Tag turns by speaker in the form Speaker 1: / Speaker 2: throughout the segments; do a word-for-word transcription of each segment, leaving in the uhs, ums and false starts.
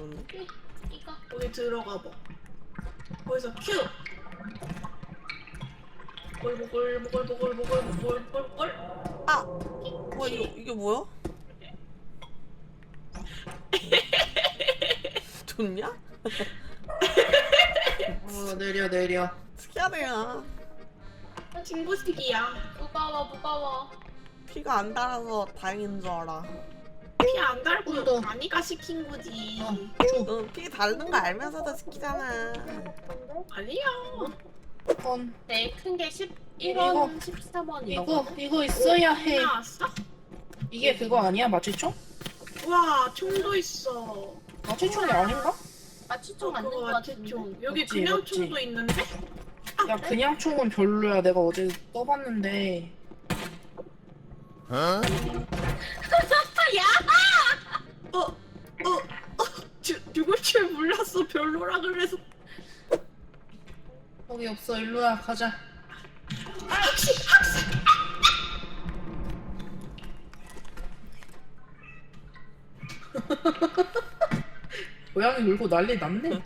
Speaker 1: 나는데?
Speaker 2: 이거
Speaker 3: 거기 들어가 봐. 거기서 큐. 보글보글보글보글보글보글보글.
Speaker 1: 아! 뭐야 이거, 이게 뭐야? 좋냐?
Speaker 4: 어 내려 내려.
Speaker 1: 특이하네요.
Speaker 3: 친구식이야.
Speaker 2: 무거워 무거워.
Speaker 1: 피가 안 달아서 다행인 줄 알아.
Speaker 3: 피 안 달고
Speaker 4: 또.
Speaker 3: 아니가 시킨 거지.
Speaker 4: 어.
Speaker 1: 응, 피 다른 거 알면서도 시키잖아.
Speaker 3: 아니야.
Speaker 4: 건
Speaker 2: 네, 큰 게 십일
Speaker 4: 이거,
Speaker 2: 원, 십삼 원
Speaker 4: 이거
Speaker 2: 이거.
Speaker 4: 이거 있어야 해.
Speaker 3: 나왔어?
Speaker 4: 이게 그거 아니야 마취총?
Speaker 3: 와, 총도 있어.
Speaker 4: 마취총이 아닌가?
Speaker 2: 마취총 맞는
Speaker 3: 그거
Speaker 2: 거 같은데.
Speaker 3: 마취총. 여기
Speaker 4: 맞지,
Speaker 3: 그냥
Speaker 4: 맞지.
Speaker 3: 총도 있는데?
Speaker 4: 야 그냥 총은 별로야. 내가 어제 떠봤는데.
Speaker 3: 어, 어, 어, 주, 죽을 줄 몰랐어. 별로라 그래서.
Speaker 4: 거기 없어. 일로야 가자.
Speaker 3: 학식, 학식.
Speaker 4: 고양이 울고 난리 났네.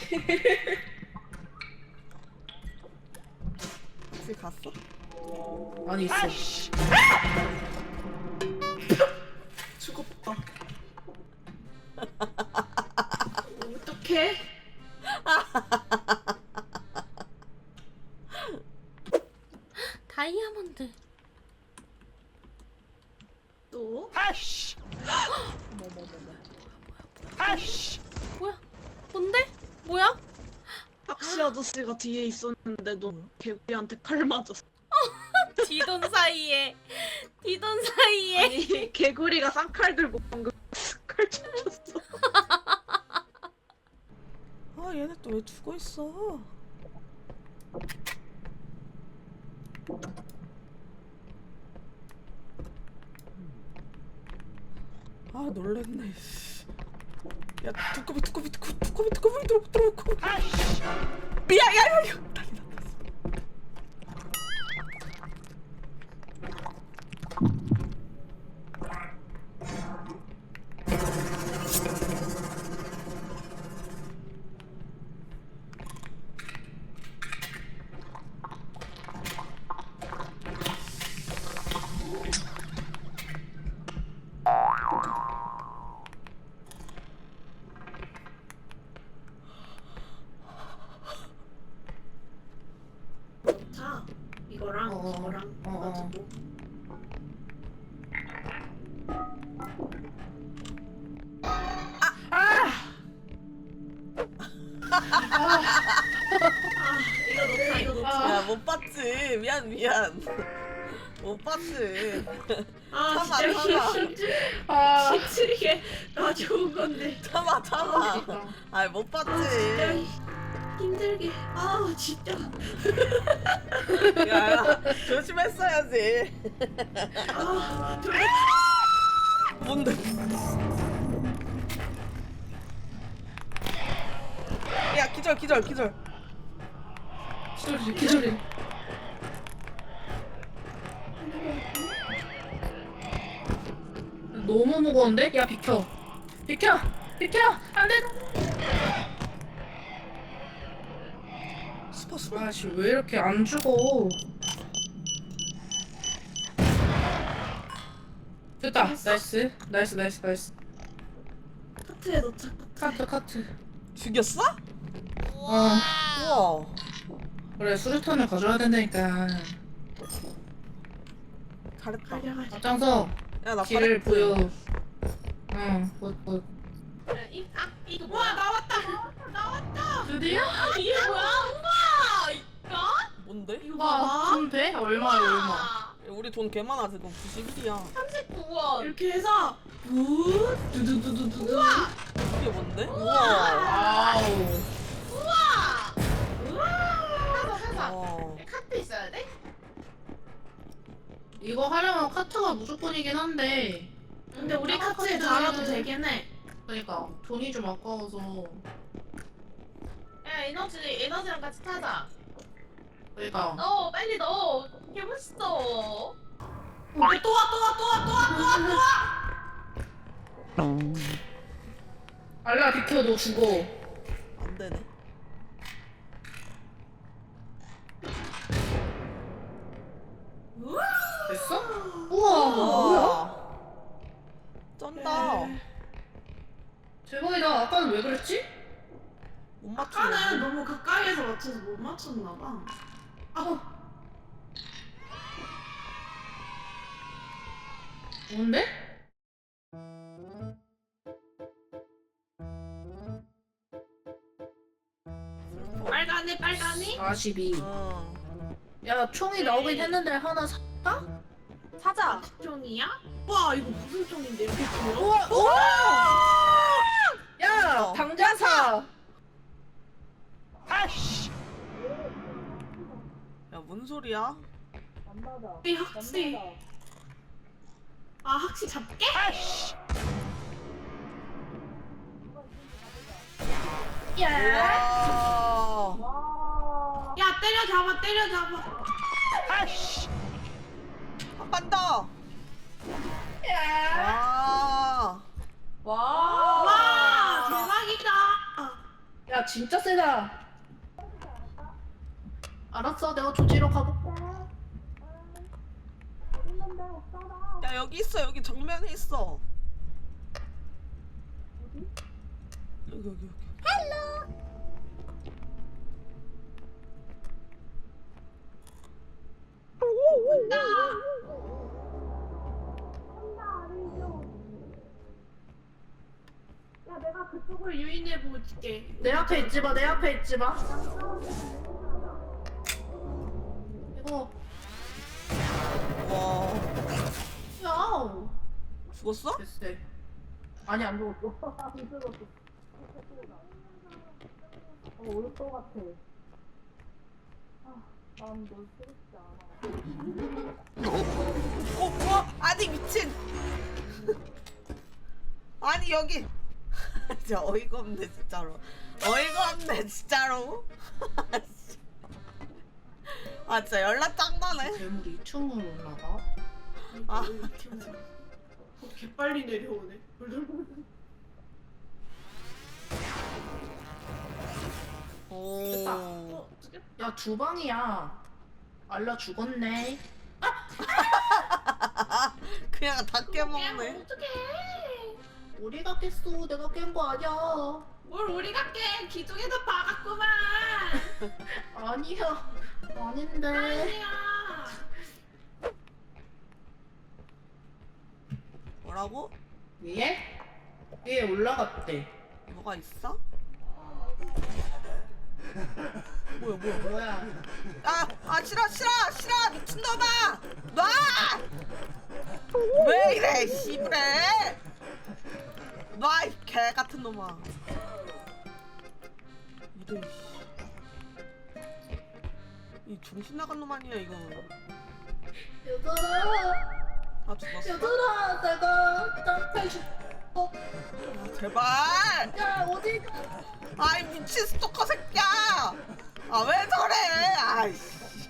Speaker 1: 혹시 갔어?
Speaker 4: 아니 있어.
Speaker 3: 죽었다. 어떡해?
Speaker 2: 다이아몬드.
Speaker 3: 또?
Speaker 2: 뭐야? 뭔데? 뭐야?
Speaker 3: 학시 아저씨가 뒤에 있었는데도 개구리한테 칼 맞았어.
Speaker 2: 뒤돈 사이에. 뒤돈 사이에.
Speaker 3: 아니, 개구리가 쌍칼 들고 방금 칼 쳤어.
Speaker 1: 아 얘네 또 왜 죽어 있어? 아 놀랬네. 야 두꺼비 두꺼비 두꺼비 두꺼비 두꺼비 들어 들어오고. 야야야 이거 난리 났어.
Speaker 3: 자, 이거랑
Speaker 4: 어,
Speaker 3: 이거랑
Speaker 4: 어, 어.
Speaker 3: 가지고. 아, 이거 넣자, 이거 넣자.
Speaker 1: 야 못 봤지. 미안 미안. 못 봤지.
Speaker 3: 아,
Speaker 1: 참아,
Speaker 3: 진짜
Speaker 1: 참아.
Speaker 3: 힘들,
Speaker 4: 아.
Speaker 3: 힘들게 나 좋은 건데.
Speaker 1: 참아 참아. 아이 못
Speaker 3: 진짜
Speaker 1: 봤지.
Speaker 3: 힘들게. 아, 진짜.
Speaker 1: 야 조심했어야지.
Speaker 3: 아, 좀
Speaker 1: 뭔데? 야 기절 기절 기절.
Speaker 4: 기절이 기절이. 너무 무거운데? 야 비켜. 비켜. 비켜. 안 돼.
Speaker 1: 수파 수파.
Speaker 4: 아씨 왜 이렇게 안 죽어? 됐다. 나이스. 나이스 나이스 나이스.
Speaker 3: 카트에 넣자.
Speaker 4: 카트 카트.
Speaker 1: 죽였어?
Speaker 4: 어.
Speaker 1: 우와.
Speaker 4: 그래 수류탄을 가져야 된다니까.
Speaker 1: 잘했다.
Speaker 3: 가려가지고.
Speaker 4: 앞장서
Speaker 1: 야나
Speaker 4: 길을 보여. 응. 뭐, 뭐.
Speaker 2: 이, 아, 이거
Speaker 3: 와,
Speaker 2: 뭐야?
Speaker 3: 나왔다. 나왔다.
Speaker 4: 드디어?
Speaker 2: 이게 뭐야? 우와! 이거?
Speaker 1: 뭔데?
Speaker 3: 이거
Speaker 4: 와,
Speaker 3: 봐봐.
Speaker 4: 돈 돼? 얼마야 얼마?
Speaker 2: 아,
Speaker 1: 야, 우리 돈 개 많아 지금 구십일이야.
Speaker 2: 삼십구 원.
Speaker 3: 이렇게 해서 부 두두두두두. 우와.
Speaker 1: 이게 뭔데? 우와.
Speaker 4: 와우.
Speaker 2: 우와!
Speaker 3: 우와.
Speaker 2: 사서 사서.
Speaker 1: 와.
Speaker 2: 카트 있어야 돼?
Speaker 4: 이거 하려면 카트가 무조건이긴 한데.
Speaker 3: 근데 우리 카트에
Speaker 4: 카트는-
Speaker 3: 달아도 되긴 해.
Speaker 4: 그러니까 돈이 좀 아까워서.
Speaker 2: 야, 에너지, 에너지랑 같이 타자.
Speaker 4: 그러니까.
Speaker 2: 넣어, 빨리 넣어. 개 멋있어.
Speaker 3: 어, 또 와, 또 와, 또 와, 또 와, 또 와, 또 와.
Speaker 4: 알라 비켜 너 죽어.
Speaker 1: 안 되네.
Speaker 4: 됐어? 우와 뭐야?
Speaker 1: 와. 쩐다.
Speaker 4: 대박이다. 아까는 왜 그랬지?
Speaker 1: 못 맞추네.
Speaker 3: 아까는 너무 가까이에서 맞춰서 못 맞췄나봐. 아,
Speaker 4: 뭔데?
Speaker 3: 빨간애 빨간애?
Speaker 4: 사십이.
Speaker 1: 어.
Speaker 4: 야 총이 나오긴 했는데 하나 살까?
Speaker 3: 사자. 종이야? 와 이거 무슨 종인데 이렇게 길어?
Speaker 4: 우와 우와! 야
Speaker 1: 어.
Speaker 4: 당장 사.
Speaker 1: 야, 뭔 소리야?
Speaker 3: 이 학시. 아 학시 잡게?
Speaker 1: 와.
Speaker 3: 야 때려잡아 때려잡아.
Speaker 1: 한 번 더. 와.
Speaker 3: 와. 와 대박이다.
Speaker 4: 야 진짜 세다. 알았어 내가 조지러 가볼게.
Speaker 1: 야, 여기 있어. 여기 정면에 있어. 여기 여기 여기.
Speaker 3: 야 내가 그쪽을 유인해 볼게.
Speaker 4: 내 앞에 있지 마. 내 앞에 있지 마. 이거
Speaker 1: 와.
Speaker 4: 야
Speaker 1: 죽었어?
Speaker 4: 됐어. 아니 안 죽었어. 안 죽었어. 어 올 것 같아. 아난널 쓰겠지 않아.
Speaker 1: 어, 뭐? 아니, 미친. 아니, 여기. 진짜 어이가 없네, 진짜로. 어이가 없네, 진짜로. 아, 진짜 연락 짱나네.
Speaker 4: 괴물이 이 층으로 올라가?
Speaker 1: 아.
Speaker 3: 어, 개빨리 내려오네.
Speaker 1: 오.
Speaker 3: 어, 어떡해?
Speaker 4: 야 주방이야. 알라 죽었네.
Speaker 1: 그냥 다 깨먹네.
Speaker 3: 어떡해?
Speaker 4: 우리가 깼어. 내가 깬 거 아니야.
Speaker 3: 뭘 우리가 깨? 기둥에도 박았구만.
Speaker 4: 아니야. 아닌데.
Speaker 3: 아니야.
Speaker 1: 뭐라고?
Speaker 4: 위에? 위에 올라갔대.
Speaker 1: 뭐가 있어? 뭐야, 뭐야.
Speaker 4: 뭐야?
Speaker 1: 아, 아, 싫어, 싫어, 싫어, 미친놈아! 놔! 왜 이래, 씨부래! 놔, 이 개 같은 놈아. 이래, 씨. 이 정신 나간 놈 아니야, 이거.
Speaker 4: 얘들아.
Speaker 1: 다 죽었어.
Speaker 4: 얘들아. 내가 짱패 죽어.
Speaker 1: 아, 제발!
Speaker 4: 야 어디 가?
Speaker 1: 아이, 미친 스토커 새끼야! 아, 왜 저래! 아이씨.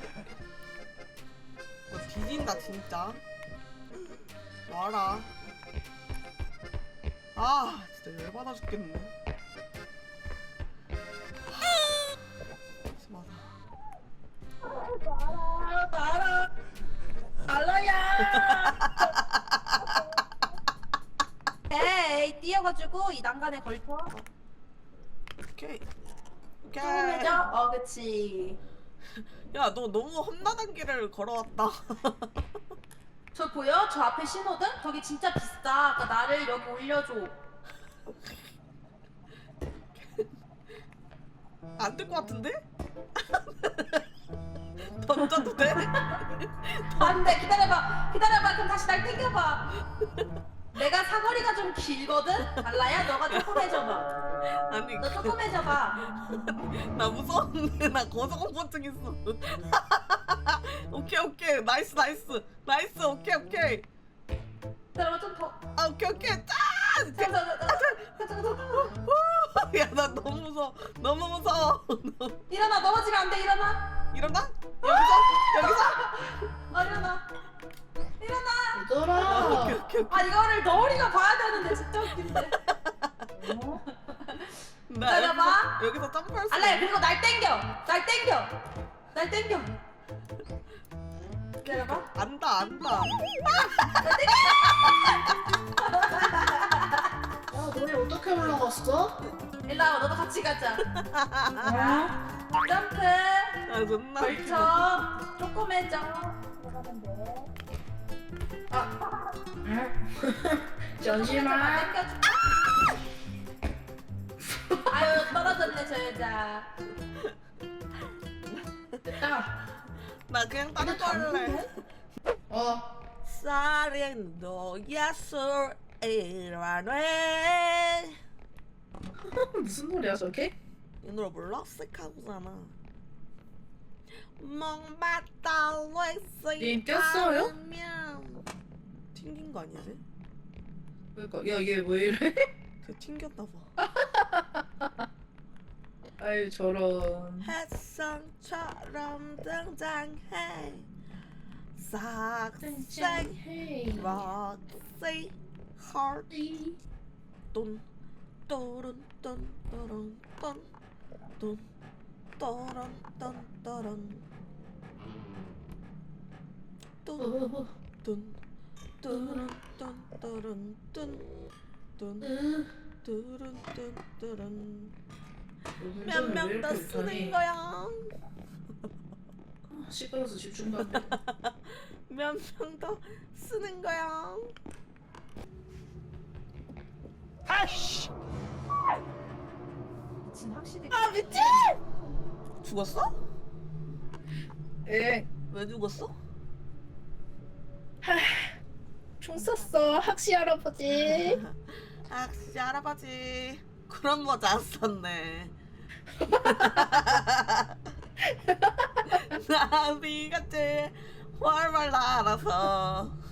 Speaker 1: 너 뒤진다, 진짜. 와라. 아, 진짜 열받아 죽겠네. 심하다.
Speaker 4: 알아. 알아. 알라야.
Speaker 5: 에이 뛰어가지고 이 난간에 걸쳐
Speaker 1: 오케이. 오케이.
Speaker 5: 조금해져? 어 그치
Speaker 1: 야, 너 너무 험난한 길을 걸어왔다.
Speaker 5: 저 보여? 저 앞에 신호등? 저기 진짜 비싸 그러니까 나를 여기 올려줘
Speaker 1: 안 될 것 같은데? 던져도 돼?
Speaker 5: 안돼 기다려봐 기다려봐 그럼 다시 날 땡겨봐 내가 사거리가 좀 길거든? 달라야 너가 조금 해줘봐
Speaker 1: 아니,
Speaker 5: 너 조금 해줘봐
Speaker 1: 나 무서운데. 나 고소공포증 있어. 오케이, 오케이. 나이스, 나이스. 나이스, 오케이, 오케이.
Speaker 5: 기다려봐 좀더
Speaker 1: 아, 오케이, 오케이. 짠!
Speaker 5: 가자 가자 가자 가자
Speaker 1: 야, 나 너무 무서워. 너무 무서워. 너무-
Speaker 5: 일어나 넘어지면 안돼 일어나
Speaker 1: 일어나? 여기서? 여기서?
Speaker 5: 어 일어나 일어나
Speaker 1: 아,
Speaker 4: 얘들아.
Speaker 1: 오케이, 오케이, 오케이.
Speaker 5: 아 이거를 너울이가 봐야 되는데 진짜 웃긴데
Speaker 4: 어?
Speaker 1: 점프할 수
Speaker 5: 알라야
Speaker 1: 있네.
Speaker 5: 그리고 날 땡겨 날 땡겨 날 땡겨 기다려봐
Speaker 1: 안다 안다.
Speaker 4: 아 너네 어떻게 올라갔어?
Speaker 5: 일로 와봐 너도 같이 가자
Speaker 4: 어?
Speaker 5: 점프
Speaker 1: 아 존나.
Speaker 5: 걸쳐 조그매져 들어가면 돼
Speaker 4: 응? 잠시만.
Speaker 5: 땡겨줄게 아유 떨어졌네 저 여자
Speaker 4: 됐다.
Speaker 1: 나 그냥 다른 거 할래.
Speaker 4: 어.
Speaker 1: 사랑도 야술이라네.
Speaker 4: 무슨 노래야 저게?
Speaker 1: 이 노래 몰라? 쓱하고잖아. 멍맞다 렉스.
Speaker 4: 님 꼈어요?
Speaker 1: 튕긴 거 아니지?
Speaker 4: 그러니까 야 얘 왜 이래?
Speaker 1: 그 튕겼나 봐.
Speaker 4: 아유 저런.
Speaker 1: 햇성처럼 등장해. 싹생
Speaker 4: 헤이.
Speaker 1: 락시 하트 돈 또론 돈 또론 돈 돈 또론 돈 또론 돈 돈 또론 돈 또론 돈돈 또론 돈 또론 몇 명 더 쓰는 거야?
Speaker 4: 시끄러워서 집중도 안 돼.
Speaker 1: 몇 명 더 쓰는 거야? 아씨!
Speaker 5: 미친 확실히
Speaker 1: 아 미친! 죽었어?
Speaker 4: 에.
Speaker 1: 왜 죽었어?
Speaker 4: 총 쐈어 학시 할아버지.
Speaker 1: 아씨 할아버지 그런 모자 안 썼네. 나비같이 활발 날아서